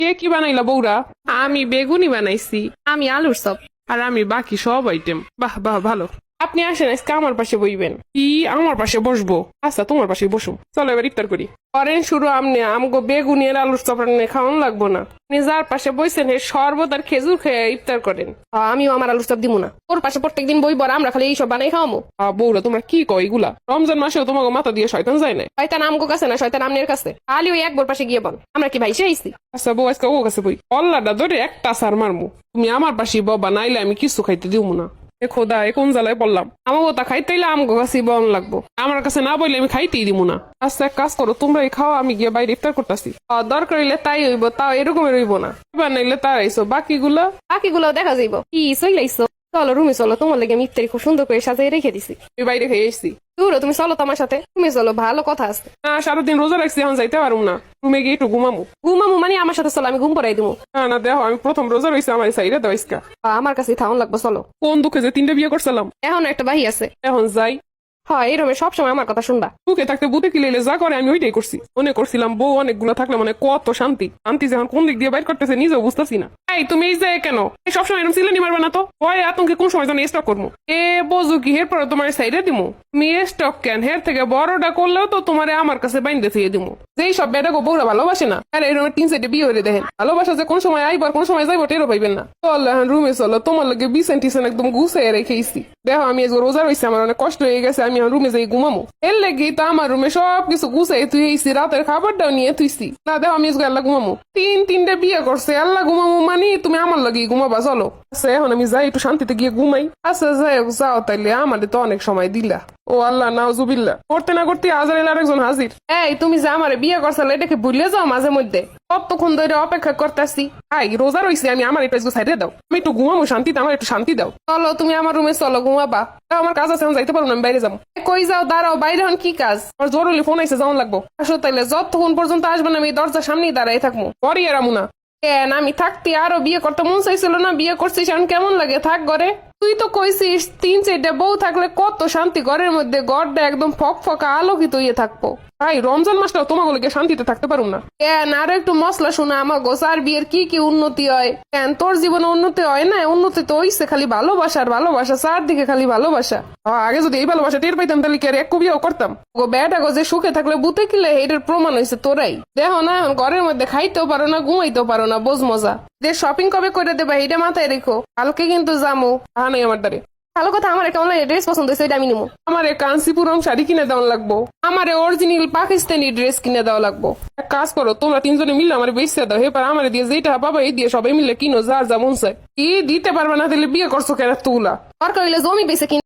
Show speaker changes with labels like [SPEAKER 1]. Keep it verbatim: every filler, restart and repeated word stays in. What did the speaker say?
[SPEAKER 1] কে কি বানাইলা বৌরা?
[SPEAKER 2] আমি বেগুনি বানাইছি।
[SPEAKER 3] আমি আলুর চপ।
[SPEAKER 1] আর আমি বাকি সব আইটেম। বাহ বাহ ভালো।
[SPEAKER 2] আপনি আসেন আজকে আমার পাশে বইবেন।
[SPEAKER 1] কি আমার পাশে বসবো? আচ্ছা তোমার পাশে বসো, চলো এবার ইফতার করি।
[SPEAKER 2] করেন শুরু আমনে, আমগো বেগুনি আর আলুর চপ রান্নে খাওয়ান লাগবো না। আপনি যার পাশে বইছেন হে শরবত আর খেজুর খেয়ে ইফতার করেন। আমিও আমার আলুর চপ দিব না, ওর পাশে প্রত্যেকদিন বই বড়, আমরা খালি এইসব বানাই খাওয়ামো।
[SPEAKER 1] আহ, বৌরা তোমরা কি কয় এগুলা? রমজান মাসেও তোমাকে মাথা দিয়ে শয়তান যায় না?
[SPEAKER 3] শয়তান আমগো কাছে না, শয়তান আমনের কাছে। খালি ওই একবার পাশে গিয়ে বল, আমরা কি ভাইসে আইছি?
[SPEAKER 1] আচ্ছা বউ আজকে ও কাছে বই, অল্লাটা ধরে একটা সার মারমু। তুমি আমার পাশে বাবা, নাইলে আমি কিছু খাইতে দিব না। এ খোদা, এ কোন জ্বালায় পড়লাম।
[SPEAKER 2] আমাকে তা খাইতে হইলে আমগো কাছে বন লাগবো।
[SPEAKER 1] আমার কাছে না বললে আমি খাইতেই দিব না। আচ্ছা এক কাজ করো, তোমরা এই খাও, আমি গিয়ে বাইরে ইফতার করতেছি।
[SPEAKER 2] দরকার হইলে তাই হইব, তাও এরকমের হইব না।
[SPEAKER 1] এবার নাইলে তার আইসো বাকিগুলা।
[SPEAKER 3] বাকিগুলো দেখা যাইব। কি চইলাইছো? চলো রুমে চলো, তোমার লাগে আমি ইফতারি খুব সুন্দর করে সাজিয়ে রেখে দিছি।
[SPEAKER 1] আমি বাইরে খেয়ে এসছি।
[SPEAKER 3] দূর তুমি চলো তোমার সাথে, তুমি চলো, ভালো কথা আছে।
[SPEAKER 1] না সারাদিন রোজা রাখছি, এখন যাইতে পারবো না। রুমে গিয়ে একটু ঘুমামু।
[SPEAKER 3] ঘুমামু মানে আমার সাথে চলো, আমি ঘুম পড়াই দিবো।
[SPEAKER 1] না না দেখো, আমি প্রথম রোজা রয়েছে, আমার সাইডে দেওয়া ইসকা।
[SPEAKER 3] আমার কাছে থাউন লাগবো, চলো।
[SPEAKER 1] কোন দুঃখে যে তিনটা বিয়ে করছিলাম।
[SPEAKER 3] এখন একটা বাহি আছে।
[SPEAKER 1] এখন যাই।
[SPEAKER 3] হয় এই রুমে সবসময় আমার কথা শুনবা।
[SPEAKER 1] বুকে থাকতে বুতে কিলেলে যা করে আমি ওইটাই করছি। মনে করছিলাম বউ অনেকগুলো থাকলে মানে কত শান্তি। শান্তি যখন কোন দিক দিয়ে বাইর করতেছে নিজেও বুঝতেছি না। এই তুমি এই যে কেন এই সবসময় এরকম সিলেনি মারবে না তো? ওই আতঙ্কে কোন সময় যেন স্টক করবো। এ বোঝো কি হের পরে তোমার সাইডে দিমু। তুমি স্টক কেন, হের থেকে বড়টা করলেও তো তোমার আমার কাছে বাইন্দে থুয়ে দিমু। যেই সব বেটা গো বউরা ভালোবাসে না, আর এরকম তিন সাইডে বিয়ে হয়ে দেখেন। ভালোবাসা যে কোন সময় আইবার কোন সময় যাইবো টেরও পাইবেন না। চল এখন রুমে চলো, তোমার লাগে বিছান টিছান একদম গুছাই রেখেছি। দেখো আমি আজকে রোজা রয়েছে, আমার অনেক কষ্ট হয়ে গেছে, আমি এখন রুমে যাই ঘুমামো। এর লেগে তো আমার রুমে সব কিছু গুছাই তুইছি, রাতের খাবারটাও নিয়ে তুইছি। না দেখো আমি আজকে আল্লাহ ঘুমামো। তিন তিনটা বিয়ে করছে, আল্লাহ ঘুমামো মানে তুমি আমার লাগে ঘুমাবা। চলো আচ্ছা এখন আমি যাই একটু শান্তিতে গিয়ে ঘুমাই। আচ্ছা যাই হোক, যাও তাইলে, আমাদের তো অনেক সময় দিলা। ও আল্লাহ নাউজুবিল্লাহ, করতে না করতে আজরাইল আরেকজন হাজির।
[SPEAKER 2] এই তুমি যে আমারে বিয়ে করছো এটাকে ভুলে যাও মাঝে মধ্যে। কতক্ষণ ধরে অপেক্ষা করতেছি।
[SPEAKER 1] হাই রোজা রয়েছে, আমি আমার একটু সাইডে দাও, আমি একটু ঘুমামো শান্তিতে, আমার একটু শান্তি দাও।
[SPEAKER 2] চলো তুমি আমার রুমে চলো, ঘুমাবা।
[SPEAKER 1] তা আমার কাজ আছে, আমি যাইতে পারবো না, আমি বাইরে যাবো।
[SPEAKER 2] এ, কই যাও? দাঁড়াও, বাইরে হন কি কাজ?
[SPEAKER 1] আমার জরুরি ফোন আইসে, যাওয়ান লাগবো।
[SPEAKER 2] আসো তাইলে, যতক্ষণ পর্যন্ত আসবে না আমি দরজার সামনেই দাঁড়াই থাকবো।
[SPEAKER 1] পরে এরামু না।
[SPEAKER 2] কেন আমি থাকতে আরো বিয়ে করতে মন চাইছিল না? বিয়ে করছিস এখন কেমন লাগে? থাক ঘরে। তুই তো কইছিস তিন চারটা বউ থাকলে কত শান্তি, ঘরের মধ্যে ঘরটা একদম ফক ফকা আলোকিত হয়ে থাকবো।
[SPEAKER 1] ভাই রমজান মাসটাও তোমাকে লেগে শান্তিতে থাকতে পারুম না।
[SPEAKER 2] কেন আরো একটু মশলা শোনা, আমার গোসার বিয়ের কি কি উন্নতি হয়? কেন তোর জীবনে উন্নতি হয় না? উন্নতি তো হইছে খালি ভালোবাসার ভালোবাসা, চারদিকে খালি ভালোবাসা।
[SPEAKER 1] আহ, আগে যদি এই ভালোবাসা টের পাইতাম তাহলে কি আর এক বিয়েও করতাম?
[SPEAKER 2] গো বেটা গো, যে সুখে থাকলে বুতে কিলে এটার প্রমাণ হয়েছে তোরাই। দেখো না এখন ঘরের মধ্যে খাইতেও পারো না, ঘুমাইতেও পারো না, বোঝ মজা। যে শপিং কবে করে দেবা এটা মাথায় রেখো, কালকে কিন্তু যামো।
[SPEAKER 1] হ্যাঁ নাই আমার দ্বারে।
[SPEAKER 3] ভালো কথা, আমার একটা অনলাইনে ড্রেস পছন্দ হয়েছে, এটা আমি নিবো।
[SPEAKER 1] আমার কাঞ্চিপুরম শাড়ি কিনে দেওয়া লাগবো।
[SPEAKER 2] আমার অরিজিনাল পাকিস্তানি ড্রেস কিনে দেওয়া লাগবো।
[SPEAKER 1] এক কাজ করো, তোমরা তিনজনে মিলে আমার বেচতে দাও, এবার আমার দিয়ে যেটা পাবা এই দিয়ে সবাই মিলে কিনো, যার যা মন চায়। কি দিতে পারবে না তাহলে বিয়ে করছো কেন তুলা?
[SPEAKER 3] দরকার হইলে জমি বেঁচে কিনে